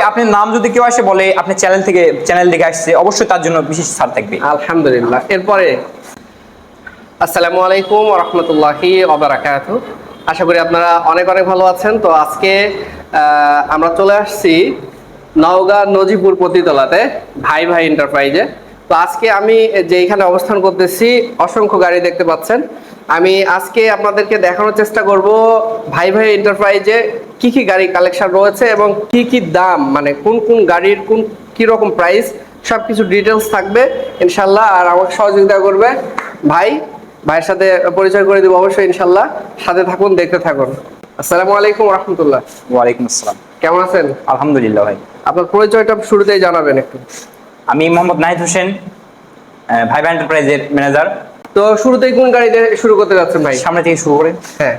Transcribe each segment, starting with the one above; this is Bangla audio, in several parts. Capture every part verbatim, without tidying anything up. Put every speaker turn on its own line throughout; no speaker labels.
আপনার নাম যদি কেউ আসে বলে আপনি চ্যানেল থেকে চ্যানেল দেখে আসছে, অবশ্যই তার জন্য বিশেষ ছাড় থাকবে।
আলহামদুলিল্লাহ। এরপরে আসসালামু আলাইকুম ওয়া রাহমাতুল্লাহি ওয়া বারাকাতুহু। আশা করি আপনারা অনেক অনেক ভালো আছেন। তো আজকে আমরা চলে আসছি নওগাঁ নজিপুর পতিতলাতে ভাই ভাই এন্টারপ্রাইজে। তো আজকে আমি যে এখানে অবস্থান করতেছি, অসংখ্য গাড়ি দেখতে পাচ্ছেন। আমি আজকে আপনাদেরকে দেখানোর চেষ্টা করব ভাই ভাই এন্টারপ্রাইজে কি কি গাড়ি কালেকশন রয়েছে এবং কি কি দাম, মানে কোন কোন গাড়ির কোন কি রকম প্রাইস, সবকিছু ডিটেলস থাকবে ইনশাল্লাহ। আর আমাকে সহযোগিতা করবে ভাই, ভাইয়ের সাথে পরিচয় করে দিব অবশ্যই ইনশাল্লাহ। সাথে থাকুন, দেখতে থাকুন। আসসালামু আলাইকুম ওয়া রাহমাতুল্লাহ।
ওয়ালাইকুম আসসালাম।
কেমন আছেন?
আলহামদুলিল্লাহ ভাই।
আপনার পরিচয়টা শুরুতেই জানাবেন একটু।
আমি মোহাম্মদ নাহিদ হোসেন, ভাই ভাই এন্টারপ্রাইজের ম্যানেজার।
তো শুরুতেই কোন গাড়ি দিয়ে শুরু করতে যাচ্ছেন ভাই?
সামনে থেকে শুরু করে।
হ্যাঁ,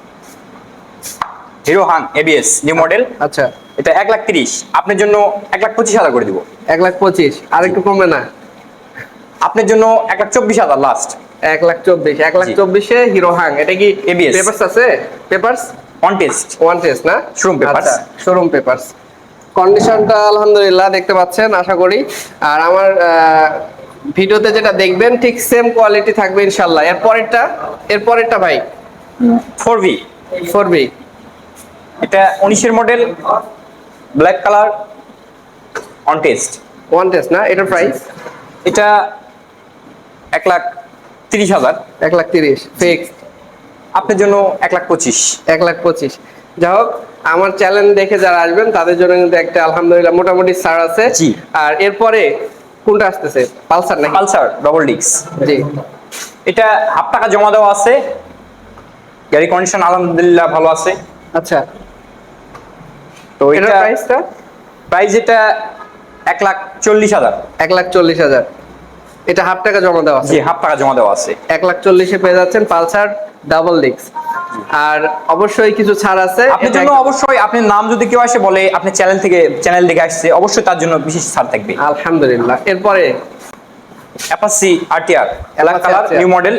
হিরো হাং এবিএস নিউ মডেল।
আচ্ছা,
এটা এক লাখ তিরিশ, আপনার জন্য এক লাখ পঁচিশ হাজার করে দিব।
এক লাখ পঁচিশ, আর একটু কমবে না?
আপনার জন্য এক লাখ চব্বিশ হাজার লাস্ট।
এক লাখ চব্বিশ, এক লাখ চব্বিশে হিরো হাং। এটা কি
এবিএস
পেপারস আছে? Papers
on test,
one test না?
Showroom papers.
Showroom papers. কন্ডিশনটা আলহামদুলিল্লাহ দেখতে পাচ্ছেন আশা করি। আর আমার ভিডিওতে যেটা দেখবেন ঠিক সেম কোয়ালিটি থাকবে ইনশাল্লাহ। এর পরেরটা, এর পরেরটা ভাই
ফোর ভি।
ফোর বি,
এটা উনিশের model, black colour, on test,
one test না? এটার প্রাইস?
এটা এক লাখ তিরিশ হাজার।
এক লাখ তিরিশ ফিক্স।
আপনার জন্য এক লাখ পঁচিশ।
এক লাখ পঁচিশ। যাই হোক, আমার চ্যানেল দেখে যারা আসবেন তাদের জন্য কিন্তু একটা আলহামদুলিল্লাহ মোটামুটি ছাড় আছে।
জি।
আর এরপরে কোনটা আসতেছে? পালসার নাকি?
পালসার ডবল ডিক্স।
জি।
এটা হাফ টাকা জমা দেওয়া আছে, গাড়ি কন্ডিশন আলহামদুলিল্লাহ ভালো আছে।
আচ্ছা,
তো
এটার
এটা
প্রাইসটা?
প্রাইস এটা এক লাখ চল্লিশ হাজার।
এক লাখ চল্লিশ হাজার। এটা হাফ টাকা জমা দেওয়া আছে?
জি, হাফ টাকা জমা দেওয়া আছে।
এক লাখ চল্লিশে পেয়ে যাচ্ছেন পালসার ডাবল ডিক্স। আর অবশ্যই কিছু ছাড় আছে
আপনার জন্য। অবশ্যই আপনার নাম যদি কেউ আসে বলে আপনি চ্যানেল থেকে চ্যানেল দেখে আসছে, অবশ্যই তার জন্য বিশেষ ছাড় থাকবে।
আলহামদুলিল্লাহ। এরপরে
Apache RTR black colour new model,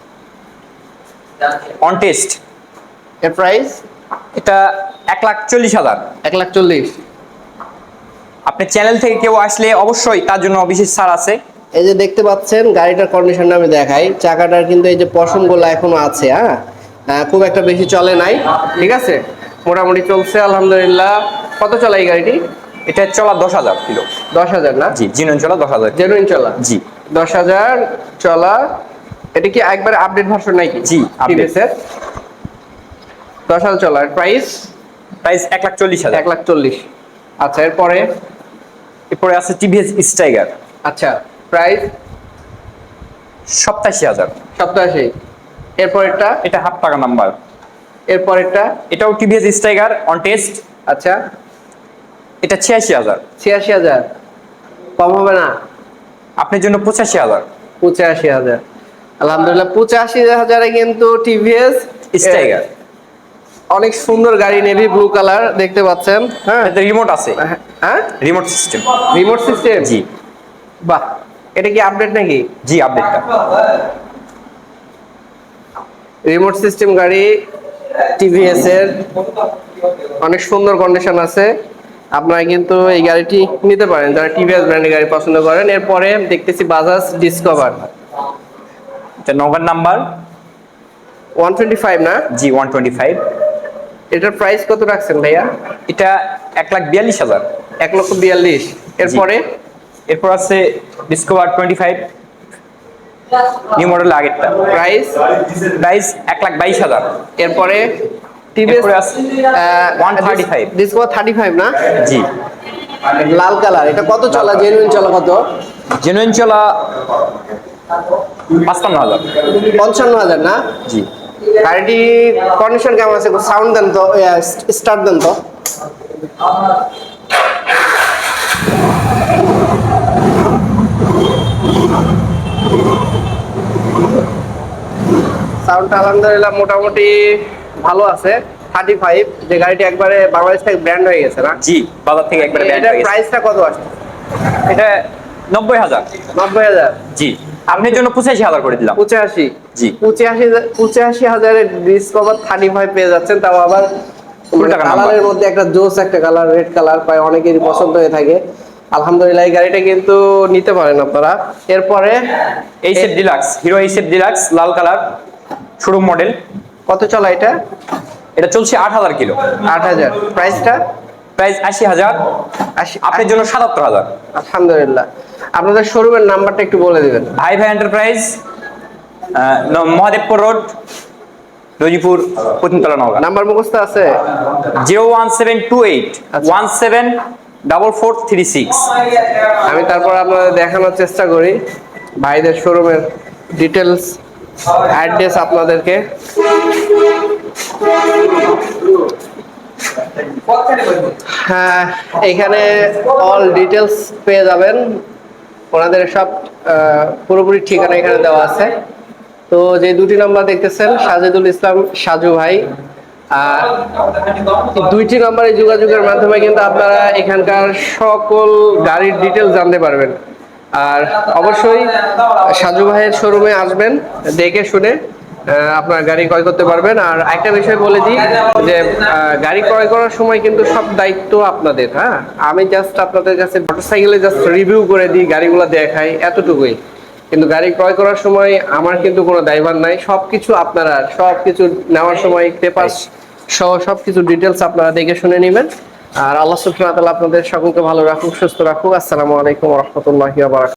on test.
এর প্রাইস?
এটা এক লাখ চল্লিশ হাজার।
এক লাখ চল্লিশ।
আপনি চ্যানেল থেকে কেউ আসলে অবশ্যই তার জন্য বিশেষ ছাড় আছে।
এই যে দেখতে পাচ্ছেন গাড়িটার কন্ডিশনটা আমি দেখাই। চাকাটার কিন্তু এই যে পশমগুলো এখনো আছে, হ্যাঁ, খুব একটা বেশি চলে নাই, ঠিক আছে, মোটামুটি চলছে আলহামদুলিল্লাহ। কত চলা এই গাড়িটি?
এটা চলা দশ হাজার কিলো।
দশ হাজার না?
জি, জেনুইন চলা দশ হাজার।
জেনুইন চলা?
জি,
দশ হাজার চলা। এটা কি একবারে আপডেট ভার্সন নাকি?
জি, আপডেট।
দশ হাজার চলা। প্রাইস?
প্রাইস এক লাখ চল্লিশ হাজার।
এক লাখ চল্লিশ। আচ্ছা, এরপরে?
এরপরে আছে টিভিএস স্টাইগার।
আচ্ছা, প্রাইস?
সপ্তাশি হাজার।
সপ্তাশি। এরপরেরটা?
এটা হাফ টাকা নাম্বার।
এরপরেরটা?
এটাও টিভিএস স্টাইগার অন টেস্ট।
আচ্ছা,
এটা ছিয়াশি হাজার।
ছিয়াশি হাজার। কম হবে না?
আপনার জন্য পঁচাশি হাজার।
পঁচাশি হাজার। আলহামদুলিল্লাহ, পঁচাশি হাজারে কিন্তু টিভিএস
স্টাইগার
অনেক সুন্দর গাড়ি, নেভি ব্লু কালার দেখতে পাচ্ছেন। হ্যাঁ,
এতে রিমোট আছে।
হ্যাঁ,
রিমোট সিস্টেম।
Remote system?
জি।
বাহ, এটা কি আপডেট নাকি?
জি, আপডেটটা।
রিমোট সিস্টেম গাড়ি টিভিএস এর, অনেক সুন্দর কন্ডিশন আছে। আপনারা কিন্তু এই গাড়িটি নিতে পারেন যারা টিভিএস ব্র্যান্ডের গাড়ি পছন্দ করেন। এরপরে দেখতেছি বাজাজ ডিসকভার।
এটা নগর নাম্বার
ওয়ান টোয়েন্টি ফাইভ না?
জি, ওয়ান টোয়েন্টি ফাইভ।
এটার প্রাইস কত রাখছেন ভাইয়া?
এটা এক লাখ বিয়াল্লিশ হাজার।
এক লক্ষ বিয়াল্লিশ। এরপরে?
এরপর আছে Discover twenty five new model আগেরটা।
প্রাইস?
প্রাইস এক লাখ বাইশ হাজার।
এরপরে TVS
one thirty five.
Discover thirty five না?
জি,
লাল কালার। এটা কত চলা? জেনুইন চলা কত?
জেনুইন চলা পাঁচপান্ন হাজার।
পঞ্চান্ন হাজার না?
জি।
গাড়িটি কন্ডিশন কেমন আছে? সাউন্ড দেন তো, স্টার্ট দেন তো। সাউন্ডটা আলহামদুলিল্লাহ মোটামুটি ভালো আছে। থার্টি ফাইভ, যে গাড়িটি একবারে বাংলাদেশ থেকে ব্র্যান্ড হয়ে গেছে না?
জি, বাজার থেকে একবারে ব্র্যান্ড
এটার
হয়ে গেছে।
প্রাইসটা কত আসছে?
এটা নব্বই হাজার।
নব্বই হাজার?
জি, আপনার জন্য পঁচাশি হাজার করে দিলাম।
পঁচাশি?
জি।
পঁচাশি পঁচাশি হাজারের ডিসকভার থার্টি ফাইভ পেয়ে যাচ্ছেন, তাও আবার
ফুল টাকা নাম্বার।
কালারের মধ্যে একটা জোস একটা কালার, রেড কালার প্রায় অনেকেরই পছন্দ হয়ে থাকে। আলহামদুলিল্লাহ এই গাড়িটা কিন্তু নিতে পারেন আপনারা। এরপরে
HF Deluxe, Hero HF Deluxe লাল কালার, শোরুম মডেল।
কত চলা এটা?
এটা চলছে আট হাজার কিলো।
আট হাজার। প্রাইসটা?
প্রাইস আশি হাজার,
আশি।
আপনার জন্য সাতাত্তর হাজার।
আলহামদুলিল্লাহ। আপনাদের শোরুমের নাম্বারটা একটু বলে দিবেন।
Bhai Bhai enterprise, Mahadevpur road, Rajipur, Patnitala, Naogaon.
Number মুখস্থ আছে?
Zero one seven two eight one seven double four three six.
আমি তারপর আপনাদের দেখানোর চেষ্টা করি ভাইদের শোরুমের ডিটেলস, অ্যাড্রেস আপনাদেরকে। হ্যাঁ, এখানে অল ডিটেলস পেয়ে যাবেন, ওনাদের সব আহ, পুরোপুরি ঠিকানা এখানে দেওয়া আছে। তো যে দুটি নাম্বার দেখতেছেন সাজেদুল ইসলাম সাজু ভাই, আর দুইটি নম্বরে যোগাযোগের মাধ্যমে কিন্তু আপনারা এখানকার সকল গাড়ির ডিটেলস জানতে পারবেন। আর অবশ্যই সাজু ভাইয়ের শোরুমে আসবেন, দেখে শুনে আহ, আপনার গাড়ি ক্রয় করতে পারবেন। আর একটা বিষয় বলে দিই যে আহ, গাড়ি ক্রয় করার সময় কিন্তু সব দায়িত্ব আপনাদের। হ্যাঁ, আমি জাস্ট আপনাদের কাছে মোটরসাইকেলে জাস্ট রিভিউ করে দিই, গাড়িগুলো দেখাই, এতটুকুই। কিন্তু গাড়ি ক্রয় করার সময় আমার কিন্তু কোনো দায়ভার নাই, সবকিছু আপনারা সবকিছু নেওয়ার সময় পেপার সহ সবকিছু ডিটেলস আপনারা দেখে শুনে নেবেন। আর আল্লাহ সুবহানাহু ওয়া তাআলা আপনাদের সকলকে ভালো রাখুক, সুস্থ রাখুক। আসসালামু আলাইকুম ওয়া রাহমাতুল্লাহি ওয়া বারাকাতুহু।